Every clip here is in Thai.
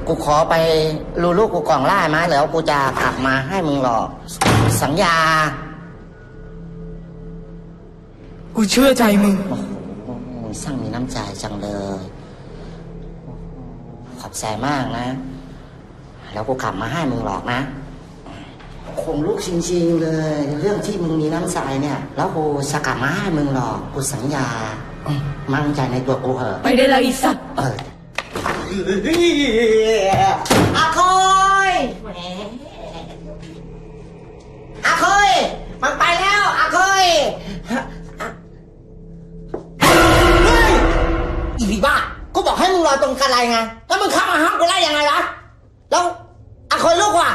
กูขอไปรูลูกกูกล่องล่ามาแล้วกูจะกลับมาให้มึงหรอกสัญญากูเชื่อใจมึงมึงช่างมีน้ำใจจังเลยขอบใจมากนะแล้วกูกลับมาให้มึงหรอกนะคงลูกจริงๆเลยเรื่องที่มึงมีน้ำใจเนี่ยแล้วกูจะกลับมาให้มึงหรอกกูสัญญามั่นใจในตัวกูเหอะไปได้แล้วอีสัตว์อาคอยอาคอยมันไปแล้วอาคอยเฮ้ยอีผีบ้ากูบอกให้มึงรอตรงกันไรไงแล้วมึงเข้ามาห้ามกูได้ยังไงล่ะแล้วอาคอยลูกว่ะ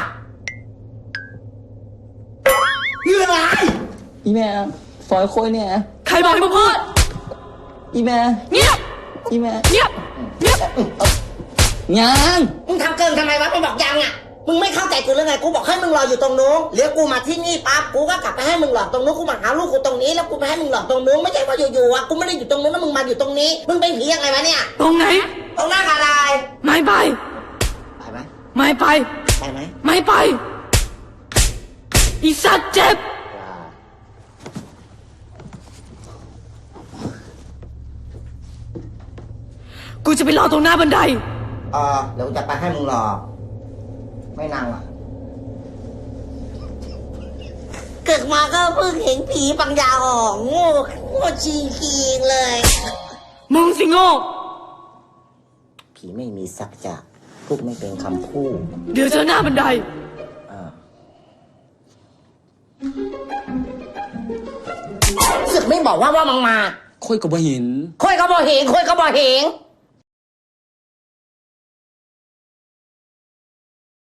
เรื่องอะไรอีแม่ฝอยโคยเนี่ยใครบอกให้มึงพูดอีแม่เงียบอีแม่เงียบเงียบยังมึงทำเกินทำไมวะมึงบอกยังอ่ะมึงไม่เข้าใจกูหรือไงกูบอกให้มึงรออยู่ตรงนู้นเลี้ยงกูมาที่นี่ปั๊บกูก็กลับไปให้มึงหลอกตรงนู้นกูมาหาลูกกูตรงนี้แล้วกูไปให้มึงหลอกตรงนู้นไม่ใช่ว่าอยู่ๆอ่ะกูไม่ได้อยู่ตรงนู้นแล้วมึงมาอยู่ตรงนี้มึงเป็นผียังไงวะเนี่ยตรงไหนตรงหน้ากระดาษไม่ไปไปไหมไม่ไปไปไหมไม่ไปอีสัตว์เจ็บกูจะไปรอตรงหน้าบันไดเดี๋ยวจะไปให้มึงรอไม่นานหรอกเกิดมาก็เพิ่งเห็นผีปังยาออกโง่จริงๆเลยมึงสิโง่ผีไม่มีสักจะพูดไม่เป็นคำพูดเดี๋ยวเจอหน้าบันไดสึกไม่บอกว่ามึงมาค่อยก็บ่เห็นค่อยก็บ่เห็น